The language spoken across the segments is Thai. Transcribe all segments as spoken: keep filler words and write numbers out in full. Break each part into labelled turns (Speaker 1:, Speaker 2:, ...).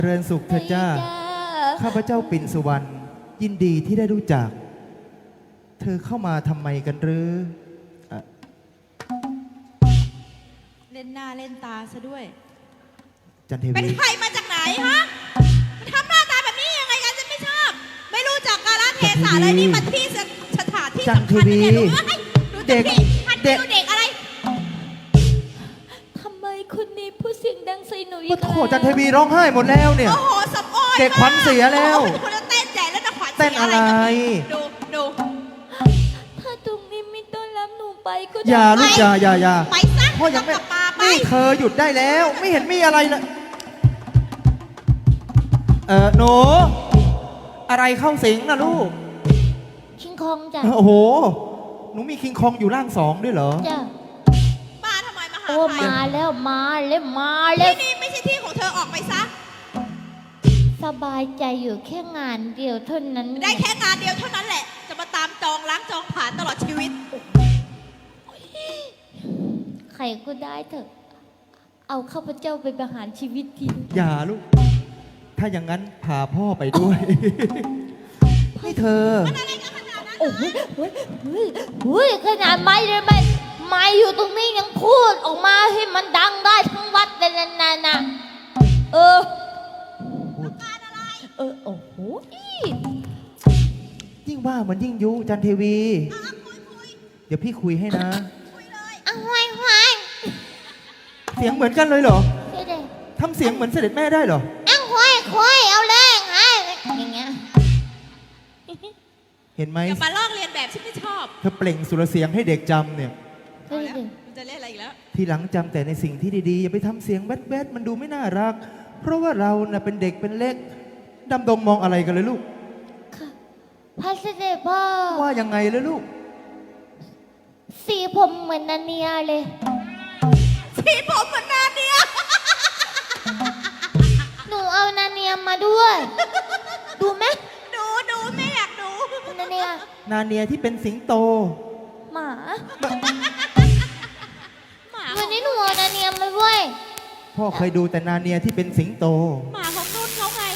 Speaker 1: เริญสุขเถิดจ้าข้าพเจ้าปิ่นสุวรรณยินดีที่ได้รู้จักเธอเข้ามาทำไมกันหรืออ่ะ
Speaker 2: เล่นหน้าเล่นตาซะด้วย
Speaker 1: จันเท
Speaker 2: เป็น
Speaker 1: วี
Speaker 2: ใครมาจากไหนฮะทำหน้าตาแบบนี้ยังไงกันจะไม่ชอบ ไม่รู้จักกาลเทศะเลยนี่มันที่สถานที่
Speaker 1: จัน
Speaker 2: สำ
Speaker 1: เท
Speaker 2: คัญ
Speaker 1: วี
Speaker 2: นะเนี่ยดูเด็กหัด
Speaker 1: เด็ก
Speaker 2: ดูเด็กอะไร
Speaker 3: ทำไมคนนี้พูดเสียงดังใส่หนูอี
Speaker 1: โอ้
Speaker 3: ก
Speaker 1: โห
Speaker 3: แล้ว
Speaker 1: จันเทวีร้องไห้หมดแล้วเนี่ย
Speaker 2: โอ้โหสับอ้อย
Speaker 1: เด็กขวัญเสียแล้ว
Speaker 2: โอ้โหเป็นคนเต้นใหญ่แล้วนะขวัญ
Speaker 1: เต้นอะไร
Speaker 2: ดูดู
Speaker 3: ถ้าตรงนี้ไม่ต้อนรับหนูไปก็
Speaker 1: อ
Speaker 3: ได้
Speaker 1: ย่าลูกอย่าอย่าอย่า
Speaker 2: ไปซะ
Speaker 1: พ่อยังไม่
Speaker 2: กลับมาไป
Speaker 1: นี่เธอหยุดได้แล้ว ไม่เห็นมีอะไรเลยเออหนูอะไรเข้าสิงนะลูก
Speaker 3: คิงคองจ้ะ
Speaker 1: โอ้โหหนูมีคิงคองอยู่ร่างสองด้วยเหรอ
Speaker 3: จ้ะ
Speaker 2: มาทำไมมาหา
Speaker 3: โอ้
Speaker 2: ใคร
Speaker 3: มาแล้วมาแล้วมาแล้
Speaker 2: ที่
Speaker 3: ว
Speaker 2: นี่ไม่ใช่ที่ของเธอออกไปซะ
Speaker 3: สบายใจอยู่แค่งานเดียวเท่านั้น
Speaker 2: ได้แค่งานเดียวเท่านั้นแหละ จะมาตามจองล้างจองผ่านตลอดชีวิต
Speaker 3: ใครก็ได้เถอะ เอาข้าพเจ้าไปประหารชีวิตที
Speaker 1: อย่าลูก ถ้าอย่างนั้นพาพ่อไปด้วย นี่เธอ
Speaker 3: โอ้โหเฮ้ยเฮ้ยเฮ้ยขนาดไม้เลยไม่ไม้อยู่ตรงนี้ยังพูดออกมาให้มันดังได้ทั้งวัดเลยนะนะนะเออเออโอ้โห
Speaker 1: ยิ่งว่ามันยิ่งยุจันเทวี เดี๋ยวพี่คุยให้นะ
Speaker 3: เอาไว้ไว้
Speaker 1: เสียงเหมือนกันเลยเหรอ
Speaker 3: เดี๋ยวเดี๋ยว
Speaker 1: ทำเสียงเหมือนเสด็จแม่ได้เหรอ
Speaker 3: เอาไว้ไว้เอาแรงไงอย่างเงี้ย
Speaker 1: เห็นไหม
Speaker 2: อย่ามาลอกเรียนแบบฉันไม่ชอบ
Speaker 1: เธอเปล่งสุรเสียงให้เด็กจำเนี่ย
Speaker 3: เดี๋ยวเดี๋ยว
Speaker 2: มันจะเล่นอะไรอีกแล้ว
Speaker 1: ทีหลังจำแต่ในสิ่งที่ดีๆ อย่าไปทำเสียงแบดๆมันดูไม่น่ารัก เพราะว่าเราน่ะเป็นเด็กเป็นเล็กดำดงมองอะไรกันเลยลูก
Speaker 3: ค่ะพระเสด็จพ่อ
Speaker 1: ว่ายังไงเลยลูก
Speaker 3: สีผมเหมือนนาเนียเลย
Speaker 2: สีผมเหมือนนาเนีย
Speaker 3: หนูเอานาเนียมาด้วย ดูไหม
Speaker 2: ดูดูไม่อยากดู
Speaker 3: นาเนีย
Speaker 1: นาเนียที่เป็นสิงโต
Speaker 3: หมา
Speaker 2: หมา
Speaker 3: วันนี้หนูเอานาเนียมาด้วย
Speaker 1: พ่อเคยดูแต่นาเนียที่เป็นสิงโต
Speaker 2: หมาของนุ่นเขาไง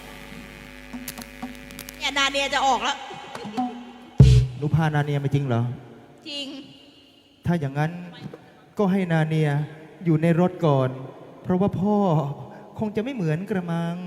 Speaker 2: เนี่ยนาเนียจะออกแล้ว
Speaker 1: หนูพานาเนียมาจริงเหรอ
Speaker 2: จริง
Speaker 1: ถ้าอย่างนั้นก็ให้นาเนียอยู่ในรถก่อน เพราะว่าพ่อคงจะไม่เหมือนกระมัง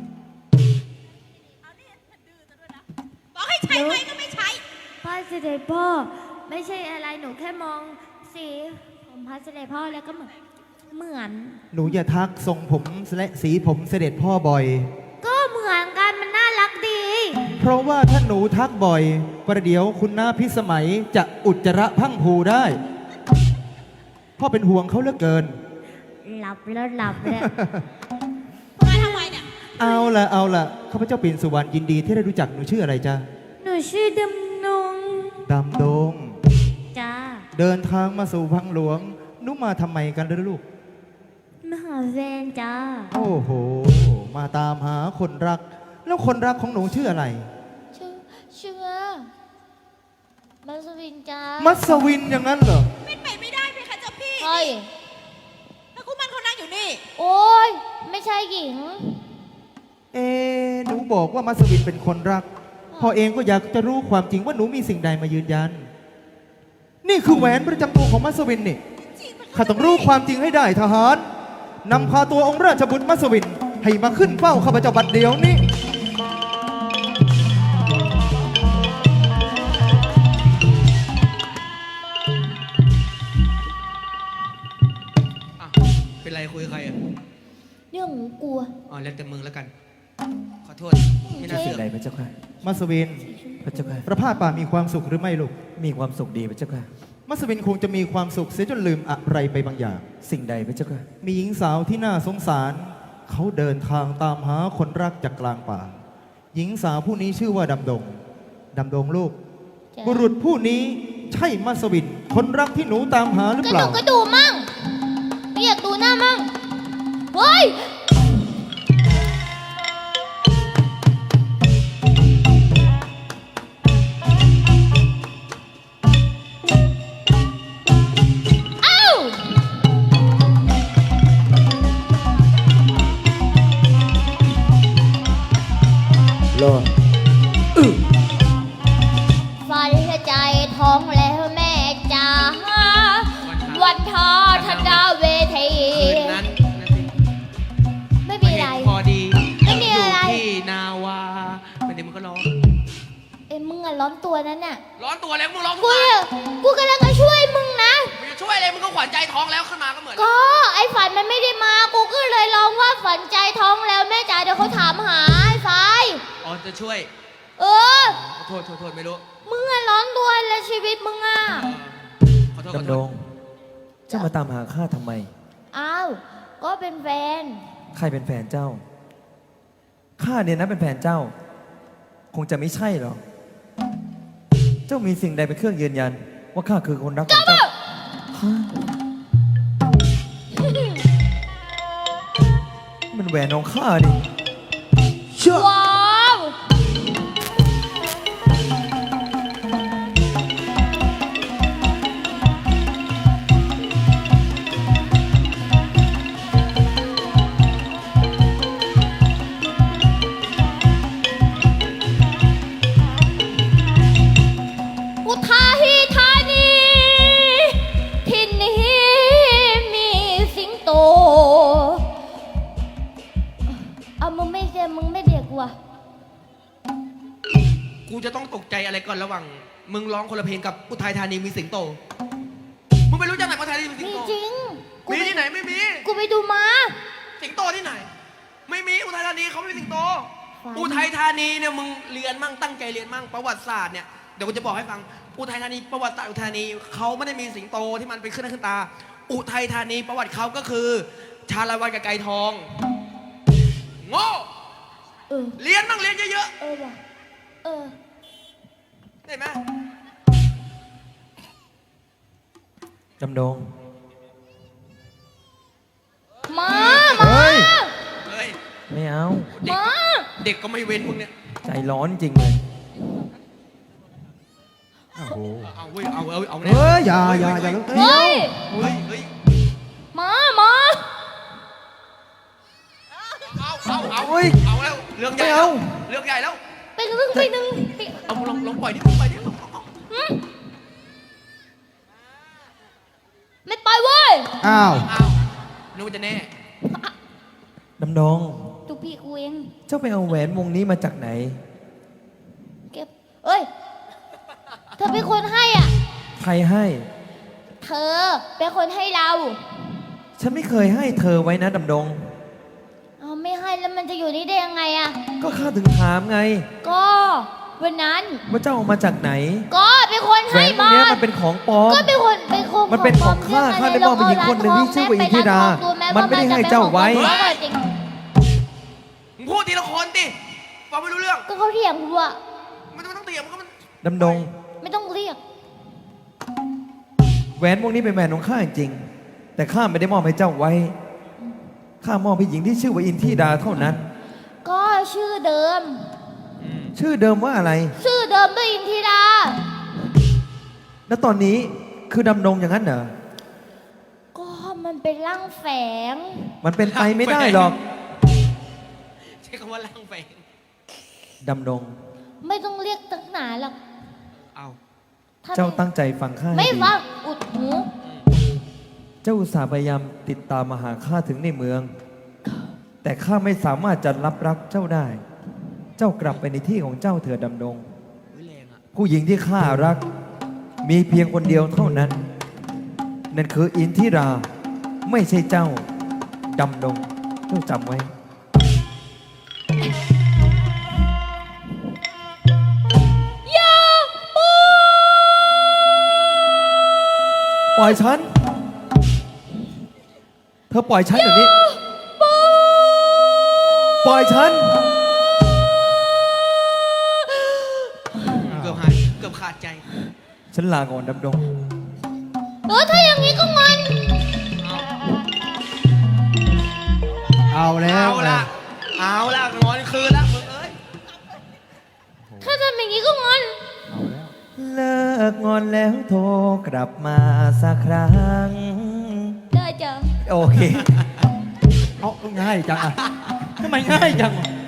Speaker 2: บอกให้ใช้ไหมก็ไม่ใช้
Speaker 4: พระเสด็จพ่อไม่ใช่อะไรหนูแค่มองสีผมพระเสด็จพ่อแล้วก็เหมือนเหมือน
Speaker 1: หนูอย่าทักทรงผมและสีผมเสด็จพ่อบ่อย
Speaker 4: ก็เหมือนกันมันน่ารักดี
Speaker 1: เพราะว่าถ้าหนูทักบ่อย ประเดี๋ยวคุณน้าพิสมัยจะอุจจาระพังผูได้ พ่อเป็นห่วงเขาเหลือเกิน
Speaker 4: หลับแล้วหลับแล้ว
Speaker 2: มาทำไมเนี่ย
Speaker 1: เอาละเอาละข้าพเจ้าปิ่นสุวรรณยินดีที่ได้รู้จักหนูชื่ออะไรจ๊ะ
Speaker 4: หนูชื่อดำนง
Speaker 1: ดำดง
Speaker 4: จ้า
Speaker 1: เดินทางมาสู่วังหลวงหนูมาทำไมกันเลยลูก
Speaker 4: มหาแฟนจ้า
Speaker 1: โอ้โห มาตามหาคนรัก แล้วคนรักของหนูชื่ออะไร
Speaker 3: ชื่อชื่อมัสวินจ้า
Speaker 1: มัสวินอย่างนั้นเหรอ
Speaker 2: เป็นไปไม่ได้เพคะเจ้าพี่
Speaker 3: เฮ้ย
Speaker 2: ถ้าคู่มันเขานั่งอยู่นี่
Speaker 3: โอ้ยไม่ใช่หญิง
Speaker 1: เอ๊ะหนูบอกว่ามัสวินเป็นคนรัก พ่อเองก็อยากจะรู้ความจริงว่าหนูมีสิ่งใดมายืนยัน นี่คือแหวนประจำตัวของมัสวินนี่
Speaker 2: จริงเพคะ
Speaker 1: ข้าต้องรู้ความจริงให้ได้ทหารนำพาตัวองค์ราชบุตรมัสวิน ให้มาขึ้นเฝ้าข้าพเจ้าบัดเดียวนี้
Speaker 5: อ่ะเป็นไรคุยกับใครอ่ะ
Speaker 3: เรื่องหนูกลัว
Speaker 5: อ๋อแล้วแต่มึงแล้วกัน ขอโทษไม่น่าเสือก
Speaker 6: ใดพระเจ้าค่ะ
Speaker 1: มัสวิน
Speaker 6: พระเจ้าค่ะ
Speaker 1: ประพาสป่ามีความสุขหรือไม่ลูก
Speaker 6: มีความสุขดีพระเจ้าค่ะ
Speaker 1: มัสวินคงจะมีความสุขเสียจนลืมอะไรไปบางอย่าง
Speaker 6: สิ่งใดพระเจ้าค่ะ
Speaker 1: มีหญิงสาวที่น่าสงสาร เขาเดินทางตามหาคนรักจากกลางป่า หญิงสาวผู้นี้ชื่อว่าดำดง ดำดงลูก
Speaker 3: จ้ะ
Speaker 1: บุรุษผู้นี้ใช่มัสวิน คนรักที่หนูตามหาหรือก
Speaker 3: ระ
Speaker 1: เป
Speaker 3: ดู
Speaker 1: ล่า
Speaker 3: กกระดูมั่งไม่อยากดูหน้ามั่งเฮ้ย
Speaker 6: รอด
Speaker 3: ฝันใจท้องแล้วแม่จ๋าวันทอธดาเวที
Speaker 5: คืนนั้นนั่นสิ
Speaker 3: ไม่มีอะไร
Speaker 5: พอดี
Speaker 3: ไม่มีอะไร
Speaker 5: ยู่ที่นาวาไม่ได้มึงก็ร้อง
Speaker 3: เอ้ยมึงอะร้อนตัวนั้นน่ะ
Speaker 5: ร้อนตัวแล้วมึงร้องทุก
Speaker 3: กู
Speaker 5: วัน
Speaker 3: อะกูกำลังจะช่วยมึงนะ
Speaker 5: มึงจะช่วยอะไรมึงก็ขวัญใจท้องแล้วขึ้นมาก็เหมือน
Speaker 3: ก็ไอ้ฝันมันไม่ได้มา กูก็เลยร้องว่าฝันใจท้องแล้วแม่จ๋าเดี๋ยวเขาถามหาไอ้ไฟ
Speaker 5: อ๋อจะช่วย
Speaker 3: เออ
Speaker 5: ขอโทษขอโทษไม่รู้
Speaker 3: มึงอะร้อนตัวแล้วชีวิตมึงอะ
Speaker 5: เออขอโทษขอ
Speaker 6: ดำ
Speaker 5: โท
Speaker 6: ด
Speaker 5: ษ
Speaker 6: ง เจ้ามาตามหาข้าทำไม
Speaker 3: อ้าว ก็เป็นแฟน
Speaker 6: ใครเป็นแฟนเจ้า ข้าเนี่ยนะเป็นแฟนเจ้า คงจะไม่ใช่หรอก เจ้ามีสิ่งใดเป็นเครื่องยืนยัน ว่าข้าคือคนรักของเจ้าฮะมันแหวนของข้าดิ
Speaker 3: ว้าว อุทัยธานีที่นี่มีสิงโต เอามึงไม่เจอมึงไม่เบรกกูอะ
Speaker 5: กูจะต้องตกใจอะไรก่อนระหว่างมึงร้องคนละเพลงกับอุทัยธานีมีสิงโต มึงไม่รู้จักไหนอุทัยธานีมีสิง
Speaker 3: มี
Speaker 5: โต
Speaker 3: จริง กู
Speaker 5: มี
Speaker 3: ไป
Speaker 5: ที่ไหนไม่มี
Speaker 3: กูไปดูมา
Speaker 5: สิงโตที่ไหน ไม่มีอุทัยธานีเขาไม่มีสิงโต
Speaker 3: ฝัน
Speaker 5: อุทัยธานีเนี่ยมึงเรียนมั่งตั้งใจเรียนมั่งประวัติศาสตร์เนี่ยเดี๋ยวกูจะบอกให้ฟังอุทัยธานีประวัติศาสตร์อุทัยธานีเขาไม่ได้มีสิงโตที่มันเป็นขึ้นหน้าขึ้นตา อุทัยธานีประวัติเขาก็คือ ชาละวันกับไก่ทองโง่
Speaker 3: เออ
Speaker 5: เรียนมั่งเรียนเยอะ
Speaker 3: เออว่ะเออ
Speaker 5: ๆเห็นไหม
Speaker 6: ดำดง
Speaker 3: มามา
Speaker 6: เฮ้ย
Speaker 5: เฮ้ย
Speaker 6: ไม่เอา
Speaker 5: เด็ก
Speaker 3: มา
Speaker 5: เด็กก็ไม่เว้นมึงเนี่ย
Speaker 6: ใจร้อนจริงเลย โอ้โห
Speaker 5: เอาเว้ยเอาเอาเอา
Speaker 1: เฮ้ยอย่าอย่าอย่า
Speaker 3: เฮ้ย
Speaker 5: เฮ้ยเฮ้ย
Speaker 3: มามา
Speaker 5: เอาเอาเอา
Speaker 6: เฮ้ย
Speaker 5: เอาแล้วเรื่องใหญ่
Speaker 6: ไม่
Speaker 5: แล้
Speaker 6: เอา
Speaker 5: วเรื่องใหญ่แล้ว
Speaker 3: ไปหนึ่งไปหนึ่งไป
Speaker 5: เอาลองลองปล่อยดิลองปล่อยดิ
Speaker 3: หืมไม่ไปเว้ย
Speaker 1: อ้าว
Speaker 5: อ้าวนึกว่าจะแน่
Speaker 6: ดำดง
Speaker 3: จุกพี่กูเอง
Speaker 6: เจ้าไปเอาแหวนวงนี้มาจากไหน
Speaker 3: เก็บ เอ้ย เธอเป็นคนให้อ่ะ
Speaker 6: ใครให้
Speaker 3: เธอเป็นคนให้เรา
Speaker 6: ฉันไม่เคยให้เธอไว้นะดำดง
Speaker 3: เอาไม่ให้แล้วมันจะอยู่นี่ได้ยังไงอ่ะ
Speaker 6: ก็ข้าถึงถามไง
Speaker 3: ก็วันนั้น
Speaker 6: ว่าเจ้าเอามาจากไหน
Speaker 3: ก็เป็นคน
Speaker 6: แหว
Speaker 3: ให้
Speaker 6: นวง
Speaker 3: มา
Speaker 6: เนี้ยมันเป็นของปลอม
Speaker 3: ก็เป็นคนเป็นคน
Speaker 6: มันเป็นของข้าข้าได้มอบไปหญิงคนหนึ่งที่ชื่อว่าอินทิรามันไม่ได้ให้เจ้าไว้
Speaker 3: จริง
Speaker 5: มึงพูดทีละคนดิฟังไม่รู้เรื่อง
Speaker 3: ก็เขาเถียงกูอะ
Speaker 5: มันไม่ต้องเถียงมันก็มัน
Speaker 6: ดำดง
Speaker 3: ไม่ต้องเรียก
Speaker 6: แหวนวงนี้เป็นแหวนของข้าจริง แต่ข้าไม่ได้มอบให้เจ้าไว้ ข้ามอบให้หญิงที่ชื่อว่าอินทิราเท่านั้น
Speaker 3: ก็ชื่อเดิม
Speaker 6: ชื่อเดิมว่าอะไร
Speaker 3: ชื่อเดิมด้วยอินทิรา
Speaker 6: แล้วตอนนี้คือดำดงอย่างนั้นเหรอ
Speaker 3: ก็มันเป็นร่างแฝง
Speaker 6: มันเป็นไปไม่ได้หรอก
Speaker 5: ใช้คำว่าล่างแฝง
Speaker 6: ดำดง
Speaker 3: ไม่ต้องเรียกตั้งหนาหรอก
Speaker 5: เอา
Speaker 3: ถ้
Speaker 6: เจ้า
Speaker 3: ไม่
Speaker 6: ตั้งใจฟังข้าให้
Speaker 3: ไม่
Speaker 6: ดี
Speaker 3: ฟังอุดหู
Speaker 6: เจ้าอุตส่าห์พยายามติดตามมาหาข้าถึงในเมือง แต่ข้าไม่สามารถจะรับรักเจ้าได้ เจ้ากลับไปในที่ของเจ้าเถิดดำดง
Speaker 5: เฮ้ยแรงอ่ะ
Speaker 6: ผู้หญิงที่ข้ารัก มีเพียงคนเดียวเท่านั้น นั่นคืออินทิรา ไม่ใช่เจ้าดำดง เจ้าจำไว้
Speaker 3: อย่าปู
Speaker 6: ปล่อยฉัน เธอปล่อยฉันเดี๋ยวนี้ ปล่อยฉัน
Speaker 5: เกือบหายเกือบขาดใจ
Speaker 6: ฉันลาก่อนดำดง
Speaker 3: เออถ้าอย่างนี้ก็งอน
Speaker 1: เอาแล้ว
Speaker 5: เอาละเอาละนอนคืนละมึงเอ้ย
Speaker 3: ถ้าทำอย่างนี้ก็งอน
Speaker 6: เลิกงอนแล้วโทรกลับมาสักครั้ง
Speaker 3: ได้จ้ะ
Speaker 6: โอเค
Speaker 1: เอาง่ายจังอ่ะทำไมง่ายจังอ่ะ